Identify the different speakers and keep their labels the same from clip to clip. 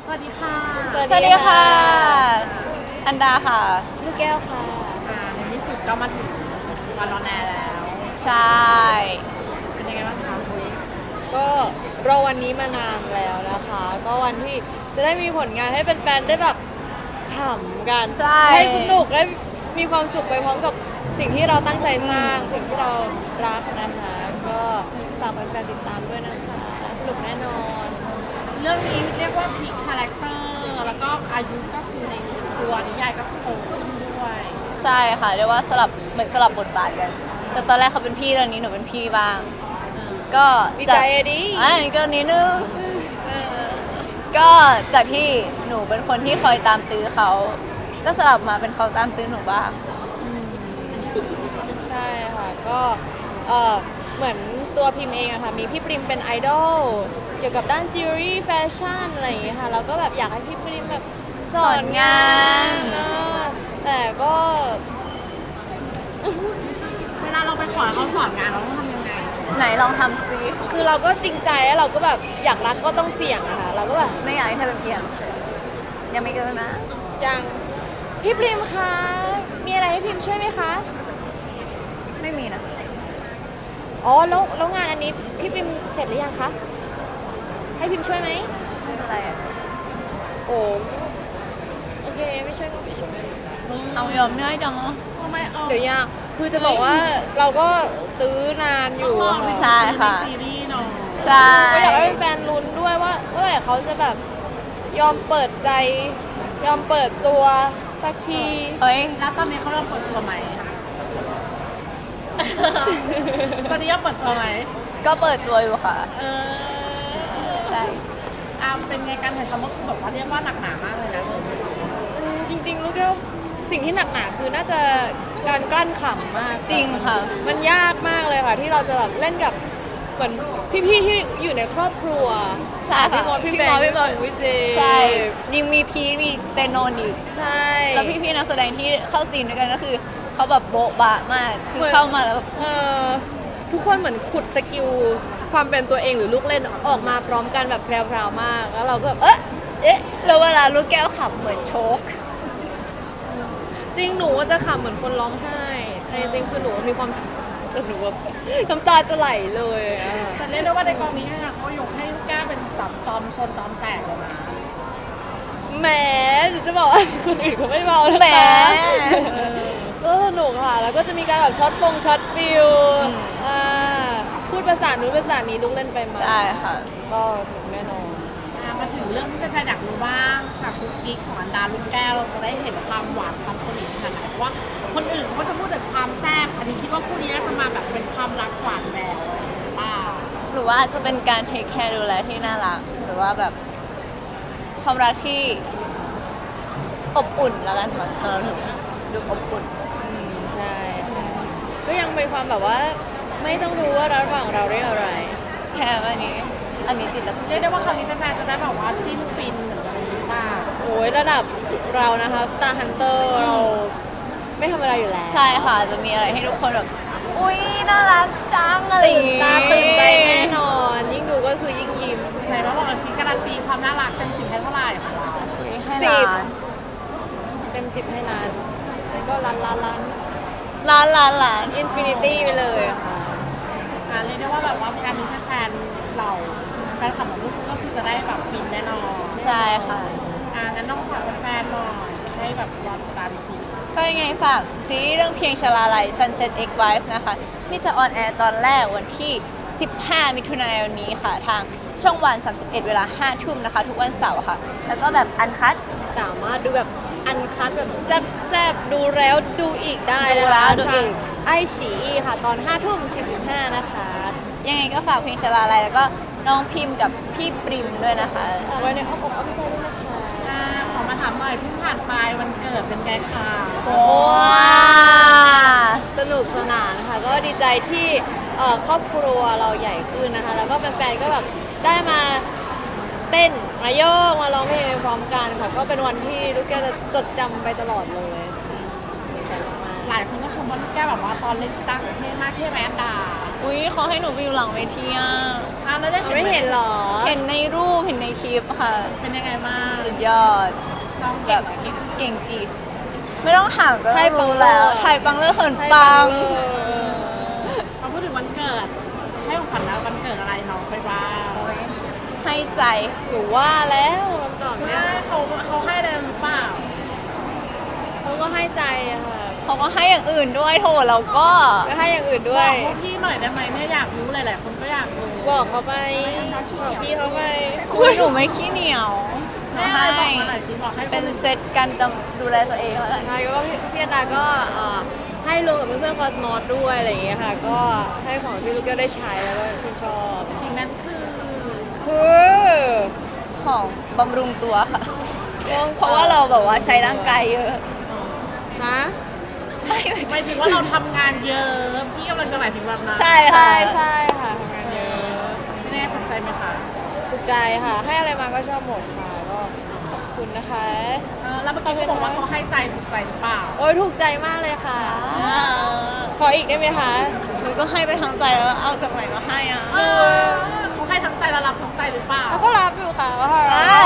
Speaker 1: สวัสดีค่ะ
Speaker 2: สวัสดีค่ะ อันดาค่ะ
Speaker 3: ลูกแก้วค่ะ
Speaker 1: ในที่สุดก็มาถึงวันรอนแอร์แล้ว
Speaker 2: ใช่
Speaker 1: เป็นยังไงบ้างคะคุย
Speaker 3: ก็รอวันนี้มานานแล้วนะคะ ก็วันที่จะได้มีผลงานให้แฟนๆได้แบบขำกัน
Speaker 2: ใช่
Speaker 3: ให้สนุกได้มีความสุขไปพร้อมกับสิ่งที่เราตั้งใจสร้าง สิ่งที่เรารักนะคะ ก็ฝากแฟนๆติดตามด้วยนะคะ สนุกแน่นอน
Speaker 1: เรื่องนี้เรียกว่าพลิกคาแรคเตอร์แล้วก็อายุก็คือในตัวนิยายก็โตขึ้นด้วย
Speaker 2: ใช่ค่ะเรียกว่าเหมือนสลับบทบาทกันแต่ตอนแรกเขาเป็นพี่ตอนนี้หนูเป็นพี่บ้าง ก็
Speaker 3: ดีใจอะดิ
Speaker 2: ก็นิดนึงก็จากที่หนูเป็นคนที่คอยตามตื้อเขาก็สลับมาเป็นเขาตามตื้อหนูบ้าง
Speaker 3: ใช่ค่ะก็เหมือนตัวพิมพ์เองอะค่ะมีพี่ปริมเป็นไอดอลเกี่ยวกับด้านจิวเวลรี่แฟชั่นอะไรอย่างเงี้ยค่ะเราก็แบบอยากให้พี่ปริมแบบสอนงานนะแต่ก็
Speaker 1: เวลาเราไปขอให้เขาสอนงานเราต้องทำยังไง
Speaker 2: ไหนลองทำซิ
Speaker 3: คือเราก็จริงใจแล้วเราก็แบบอยากรักก็ต้องเสี่ยงอะค่ะเราก็แบบ
Speaker 2: ไม่อยากให้เธอเป็นเพียงยังไม่เกินนะ
Speaker 3: อย่างพี่ปริมคะมีอะไรให้พิมช่วยไหมคะ
Speaker 2: ไม่มีนะ
Speaker 3: อ๋อแล้วงานอันนี้พี่ปริมเสร็จหรือยังคะให้พิมช่วยไหม
Speaker 2: ไม่เป็นไรอะ
Speaker 3: โอ้โอเคไม่ช่วยก็ไม่ช่วย
Speaker 2: เอายอมเนื่อยจัง
Speaker 1: ทำไมเอา
Speaker 3: เดี๋ยวยากคือจะบอกว่าเราก็ตื้อนานอยู่
Speaker 1: ต้องรอ
Speaker 3: ค่ะ
Speaker 2: ใช่ค่ะ
Speaker 1: ในซีรีส์เนาะ
Speaker 2: ใช่
Speaker 3: ก็อยากให้แฟนๆลุ้นด้วยว่าเมื่อไหร่เขาจะแบบยอมเปิดใจ ยอมเปิดตัวสักที
Speaker 2: เอ้ย
Speaker 1: แล้วตอนนี้เขาเริ่มเปิดตัวไหม ตอนนี้ยังเปิดตัวไหม
Speaker 2: ก็เปิดตัวอยู่ค่ะ
Speaker 1: เออ
Speaker 2: ใช่
Speaker 1: เป็นไงการถ่ายทำก็คือแบบว่าเรียกว่าหนักหนามากเลยนะเรื่องนี้
Speaker 3: จริงๆรู้แค่ว่าสิ่งที่หนักหนาคือน่าจะการกลั้นขำมาก
Speaker 2: จริงค่ะ
Speaker 3: มันยากมากเลยค่ะ ที่เราจะแบบเล่นกับเหมือนพี่ๆที่อยู่ในครอบครัว
Speaker 2: ใช่ค่ะ
Speaker 3: พี่มดพี่แบงค์
Speaker 2: พี่มด
Speaker 3: วิเจ
Speaker 2: ใช่ยังมีพีทมีเตโนนอีก
Speaker 3: ใช่
Speaker 2: แล้วพี่ๆนักแสดงที่เข้าซีนด้วยกันก็คือเขาแบบโบ๊ะบะมาก คือเข้ามาแล้วแบบ
Speaker 3: ทุกคนเหมือนขุดสกิลความเป็นตัวเองหรือลูกเล่นออกมาพร้อมกันแบบแพรวๆมาก แล้วเราก็แบบเอ๊ะ
Speaker 2: แล้วเวลาลูกแก้วขับเหมือนโชก
Speaker 3: จริงหนูว่าจะขำเหมือนคนร้องไห้แต่จริงๆคือหนูมีความสุขจนหนูแบบน้ำตาจะไหลเลยอะ
Speaker 1: แต่เรียกได้ว่าในกองนี้เนี่ยเขายกให้ลูกแก้วเป็นแบบจอมชนจอมแสกเลยนะ
Speaker 3: แหมหนูจะบอกว่าคนอื่นเขาไม่เบานะ
Speaker 2: แหม
Speaker 3: คะก็สนุกค่ะ แล้วก็จะมีการแบบช็อตฟิล
Speaker 2: อืม
Speaker 3: พูดภาษานู้นภาษานี้ลูกเล่นไปมา
Speaker 2: ใช่ค่ะ
Speaker 3: ก็สนุกแน่นอน
Speaker 1: มาถึงเรื่องที่แฟนๆอยากรู้บ้างฉากคุกกิ๊กของอันดาลูกแก้วเราจะได้เห็นความหวานความสนิทขนาดไหนเพราะว่าคนอื่นเขาก็จะพูดแต่ความแซ่บอันนี้คิดว่าคู่นี้น่าจะมาแบบเป็นความรักหวานแหววป้า
Speaker 2: หรือว่าจะเป็นการเทคแคร์ดูแลที่น่ารัก หรือว่าแบบความรักที่อบอุ่นแล้วกันค่ะสำหรับหนูดูอบอุ่น
Speaker 3: ใช่ ก็ยังเป็นความแบบว่าไม่ต้องรู้ว่าระหว่างเราเรียกอะไร
Speaker 2: แค่อันนี้ติดแล้ว
Speaker 1: เรียกได้ว่าครั้งนี้แฟนๆจะได้แบบว่าจิ้นฟินเหมือนกันหรือเปล่า
Speaker 3: โอ้ยระดับเรานะคะ Star Hunter เราไม่ธรรมดาอยู่แล้ว
Speaker 2: ใช่ค่ะ จะมีอะไรให้ทุกคนแบบ อุ๊ย น่ารักจังอะไรอย่าง
Speaker 3: ตื่น
Speaker 2: งี้
Speaker 3: ตาตื่นใจแน่นอน ยิ่งดูก็คือยิ่งยิ้ม
Speaker 1: ไหนมาบอกสิการันตีความน่ารักเต็ม10ให้เท่าไหร่ของเรา
Speaker 2: อุ๊ยให้
Speaker 3: สิบ
Speaker 2: ล้าน
Speaker 3: เต็ม10ให้ล้านแล้วก็ล้าน
Speaker 2: ล้าน
Speaker 3: อินฟินิตี้ไปเลยอะค่ะ
Speaker 1: เรียกได้ว่าแบบว่าการมีแฟนๆเราแฟนคลับของลูกก็คือจะได้แบบฟินแน่นอน
Speaker 2: ใช่ค่ะ
Speaker 1: งั้นต้องฝากแฟนๆหน่อยให้แบบรอติดตามอีกที
Speaker 2: ก็ยังไงฝากซีรีส์เรื่องเพียงชลาลัย Sunset X Wives นะคะ ที่จะออนแอร์ตอนแรกวันที่ 15 มิถุนายนนี้ค่ะ ทางช่องวัน 31 เวลา 5 ทุ่มนะคะ ทุกวันเสาร์ค่ะ แล้วก็แบบอันคัด
Speaker 3: สามารถดูแบบอันคัดแบบแซ่บๆ ดูแล้วดูอีกได้
Speaker 2: ดู
Speaker 3: นะ
Speaker 2: แล้
Speaker 3: คะ
Speaker 2: วดูอีก
Speaker 3: ไอฉีค่ะ ตอน 5 ทุ่ม 45 นะคะ
Speaker 2: ยังไงก็ฝากเพลงชลาลัยแล้วก็น้องพิมพ์กับพี่ปริมด้วยนะคะ
Speaker 3: ฝากไว้ในอ้อมอกอ้อมใจด้วยนะคะ
Speaker 1: ขอมาถามหน่อยเพิ่งผ่านไปวันเกิดเป็นไงคะ
Speaker 2: ว้า
Speaker 3: สนุกสนานค่ะ ก็ดีใจที่ครอบครัวเราใหญ่ขึ้นนะคะ แล้วก็แฟนๆ ก็แบบได้มาเต้นมาโยกมาร้องเพลงพร้อมกันค่ะ ก็เป็นวันที่ลูกแก้วจะจดจำไปตลอดเลยดีใจมาก
Speaker 1: หลายคนก็ชมว่าลูกแก้วแบบว่าตอนเล่นกีตาร์เท่มากเท่ไหมอันดา
Speaker 3: โอ้
Speaker 2: อุ้ยเขาให้หนูไปอยู่หลังเวทีอ่ะ
Speaker 1: แล้วได้
Speaker 3: ไม่เห็นเหรอ
Speaker 2: เห็นในรูปเห็นในคลิปค่ะ
Speaker 1: เป็นยังไงบ้าง
Speaker 2: สุดยอด
Speaker 1: น้อง
Speaker 2: แบ
Speaker 1: เก่ง
Speaker 2: บ
Speaker 1: ไหมเก่ง
Speaker 2: เก่งจีบไม่ต้องถามก็
Speaker 3: ไทยปัง
Speaker 2: รู้แล้ว
Speaker 3: เลอร์
Speaker 2: ไทยปังเลอร์เหิน
Speaker 3: ให้
Speaker 2: ปัง
Speaker 3: เลย
Speaker 1: พอพูดถึงวันเกิด ให้ของขวัญแล้ววันเกิดอะไรน้องไปบ้าง
Speaker 2: โอ้ยให้ใจ
Speaker 3: หนูว่าแล้วคำตอบ
Speaker 1: ไม่
Speaker 3: เนี่ย
Speaker 1: เขาให้อะไรหรือเปล่า
Speaker 3: เขาก็ให้ใจอะค่ะ
Speaker 2: เขาก็ให้อย่างอื่นด้วยโถเราก็
Speaker 3: ก็ให้อย่างอื่นด้
Speaker 1: บ
Speaker 3: ว
Speaker 1: อย กพวกพี่หน่อยได้ไหมเนี่ยอยากรู้หลายๆคนก็อยากรู้
Speaker 3: บอกเขาไปบอกพี่เขาไป
Speaker 2: อุ้ยหนูไม่ขี้เหนียวหนู
Speaker 1: แม่อะไร
Speaker 2: ให้
Speaker 1: บอกมาหน่อยสิบอกให้
Speaker 2: เป็นเซตการดูแลตัวเองแล้วกัน
Speaker 3: ใช่ก็พี่อันดาก็ให้รวมกับเพื่อนๆคอสมอสด้วยอะไรอย่างเงี้ยค่ะ ก็ให้ของที่ลูกก็ได้ใช้แล้วก็ชื่นชอบ
Speaker 1: สิ่งนั้นคือ
Speaker 3: คือ
Speaker 2: ของบำรุงตัวค่ะ เพราะว่าเราแบบว่าใช้ร่างกายเยอะ
Speaker 3: ฮะ
Speaker 1: หมายถึงว่าเราทำงานเยอะพี่กำลังจะหมายถึงแบบนั้น
Speaker 2: ใช่
Speaker 3: ใช่
Speaker 2: ค่ะ
Speaker 3: ใช่ค่ะทำงานเยอะ
Speaker 1: ไม่แน่สนใจไหมคะ
Speaker 3: ถูกใจค่ะ ให้อะไรมาก็ชอบหมดค่ะ ก็ขอบคุณนะคะ
Speaker 1: แล้วเมื่อกี้เขาบอกว่าเขาให้ใจถูกใจหรือเปล่า
Speaker 3: โอ้ยถูกใจมากเลยค่ะ ขออีกได้ไหมคะ
Speaker 2: หนูก็ให้ไปทั้งใจแล้วเอาจากไหนก็ให้อ่ะ
Speaker 1: เขาให้ทั้งใจและรับทั้งใจหรือเปล่า
Speaker 3: เขาก็รับอยู่ค่ะว่า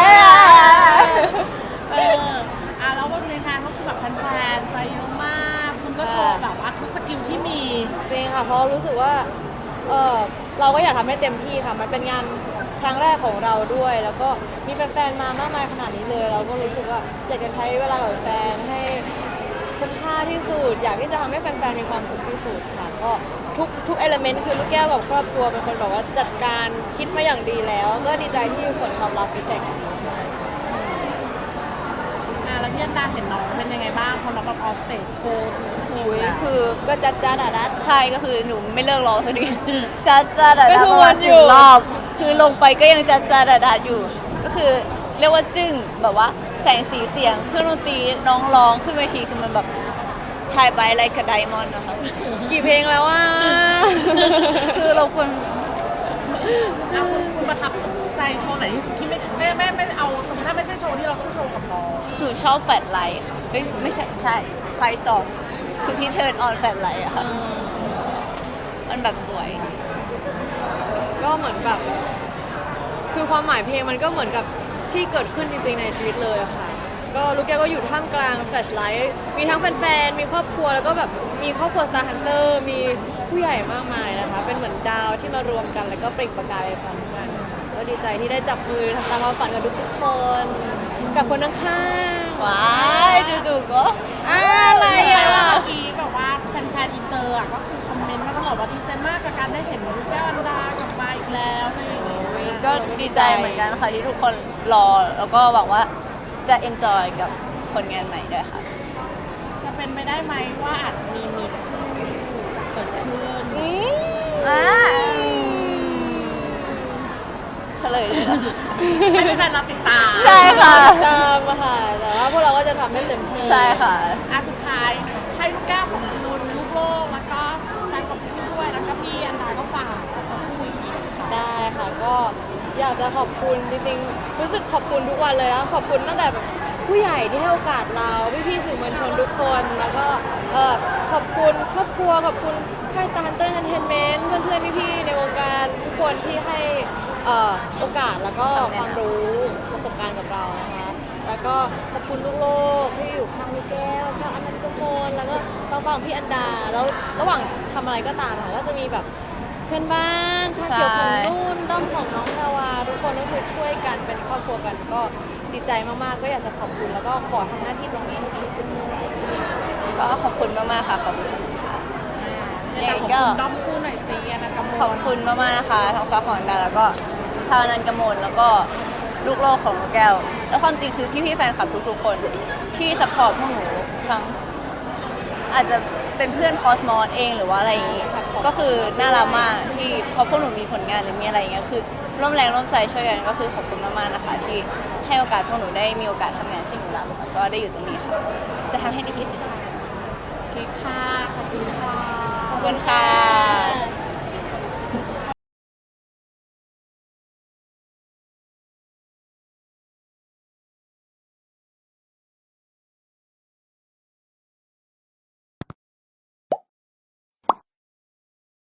Speaker 1: แล้ววันในงานก็คือแบบแฟนๆไปเยอะมาก คุณก็โชว์แบบว่าทุกสกิลที่มี
Speaker 3: จริงค่ะ เพราะรู้สึกว่าเราก็อยากทำให้เต็มที่ค่ะ มันเป็นงานครั้งแรกของเราด้วย แล้วก็มีแฟนๆมามากมายขนาดนี้เลย เราก็รู้สึกว่าอยากจะใช้เวลากับแฟนให้คุ้มค่าที่สุด อยากที่จะทำให้แฟนๆมีความสุขที่สุดค่ะ ก็ทุกเอลเมนต์คือลูกแก้วกับครอบครัวเป็นคนแบบว่าจัดการคิดมาอย่างดีแล้ว ก็ดีใจที่ผลตอบรับฟีดแบ็กดีค่ะ
Speaker 1: แล้วพี่อันดาเห็นน้องเป็นยังไงบ้างพอน้องแบบออสเตจโชว์ทุกสกิล
Speaker 2: อุ้ย
Speaker 1: แล้ว
Speaker 2: คือ
Speaker 3: ก็จัดจ้าดาดัด
Speaker 2: ใช่ก็คือหนูไม่เลิกร้องสักที จัดจ้าดา
Speaker 3: ก็
Speaker 2: ดา
Speaker 3: คือ
Speaker 2: ประมาณ
Speaker 3: วนอยู่
Speaker 2: 10 รอบ คือลงไปก็ยังจัดจ้าดาดาอยู่ ก็คือเรียกว่าจึ้งแบบว่าแสงสีเสียงเครื่องดนตรีน้องร้องขึ้นเวทีคือมันแบบชายไปอะไรกับไดมอนด์นะคะ
Speaker 3: กี่เพลงแล้วว่า
Speaker 2: คือเราควร
Speaker 1: แล้วคุณประทับใจโชว์ไหนที่สุดที่ไม่เอาสมมติถ้าไม่ใช่โชว์ที่เราต้องโชว์กับน้อง
Speaker 2: หนูชอบแฟลชไลท์ค่ะเอ้ยไม่ใช่ใช่ไฟสองคือที่เทิร์นออนแฟลชไลท์อะค่ะมันแบบสวย
Speaker 3: ก็เหมือนแบบ คือความหมายเพลงมันก็เหมือนกับที่เกิดขึ้นจริงๆในชีวิตเลยอะค่ะ ก็ลูกแก้วก็อยู่ท่ามกลางแฟลชไลท์มีทั้งแฟนๆ มีครอบครัวแล้วก็แบบมีครอบครัว Star Hunter มีผู้ใหญ่มากมายนะคะ เป็นเหมือนดาวที่มารวมกันแล้วก็เปล่งประกายไปพร้อมกัน ก็ดีใจที่ได้จับมือทำตามความฝันกับทุกๆคน กับคนข้างๆ
Speaker 2: ว้ายจู่ๆก็
Speaker 3: อะไร
Speaker 1: แต่
Speaker 3: อ่ะ
Speaker 1: ว่าเมื่อกี้แบบว่าแฟนๆอินเตอร์ก็คือคอมเมนต์มาตลอดว่าดีใจมากกับการได้เห็นลูกแก้วอันดากลับมาอีกแล้วอะไรอย่างเงี้ย
Speaker 2: อุ๊ยก็ดีใจเหมือนกันค่ะที่ทุกคนรอ แล้วก็หวังว่าจะ enjoy กับผลงานใหม่ด้วยค่ะ
Speaker 1: จะเป็นไปได้ไหมว่าอาจจะมีเกิดขึ้น
Speaker 2: เฉลยเลยเหรอ
Speaker 1: ให้แฟนๆเราติดตาม
Speaker 2: ใช่ค่ะ
Speaker 3: ตามมาค่ะ แต่ว่าพวกเราก็จะทำให้เต็มที่
Speaker 2: ใช่ค่ะ
Speaker 1: สุดท้ายให้ลูกแก้วของคุณลูกโลกแล้วก็แฟนของพี่ด้วยแล้วก็พี่อันดาก็ฝากขอบคุณอีกค่ะ
Speaker 3: ได้ค่ะ ก็อยากจะขอบคุณจริงๆ รู้สึกขอบคุณทุกวันเลยนะขอบคุณตั้งแต่แบบผู้ใหญ่ที่ให้โอกาสเราพี่ๆสื่อมวลชนทุกคน แล้วก็ขอบคุณครอบครัวขอบคุณค่าย Star Hunter Entertainment เพื่อนๆพี่ๆในวงการทุกคนที่ให้โอกาสแล้วก็ความรู้ประสบการณ์กับเรานะคะ แล้วก็ขอบคุณลูกโลกที่อยู่ข้างลูกแก้วชาวอนันต์กมลแล้วก็ทางฝั่งพี่อันดา แล้วระหว่างทำอะไรก็ตามค่ะก็จะมีแบบเพื่อนบ้านชาติเกี่ยวของนุ่นด้อมของน้องดาวาทุกคนก็คือช่วยกันเป็นครอบครัวกันก็ดีใจมากๆ ก็อยากจะขอบคุณแล้วก็ขอทำหน้าที่ตรงนี้ให้ดีที่สุด
Speaker 2: ก็ขอบคุณมากๆค่ะ ขอบคุณค่ะ
Speaker 1: อยากขอบคุณด้อมคู่หน่อยสิอันนั้นกับโม
Speaker 2: ขอบคุณมากๆนะคะท้องฟ้าของดาแล้วก็ชาวนันกมลแล้วก็ลูกโลกของลูกแก้ว แล้วความจริงคือพี่ๆแฟนคลับทุกๆคนที่สปอร์ตพวกหนูทั้งอาจจะเป็นเพื่อนคอสมอสเองหรือว่าอะไรอย่างงี้ก็คือน่ารักมากที่พอพวกหนูมีผลงานหรือมีอะไรอย่างเงี้ยคือร่วมแรงร่วมใจช่วยกันก็คือขอบคุณมากๆนะคะ ที่ให้โอกาสพวกหนูได้มีโอกาสทำงานที่หนูรักแล้วก็ได้อยู่ตรงนี้ค่ะจะทำให้ดีที่สุดค่ะ
Speaker 1: โอเคค่ะ ขอบคุณค่ะ
Speaker 2: ขอบคุณค่ะ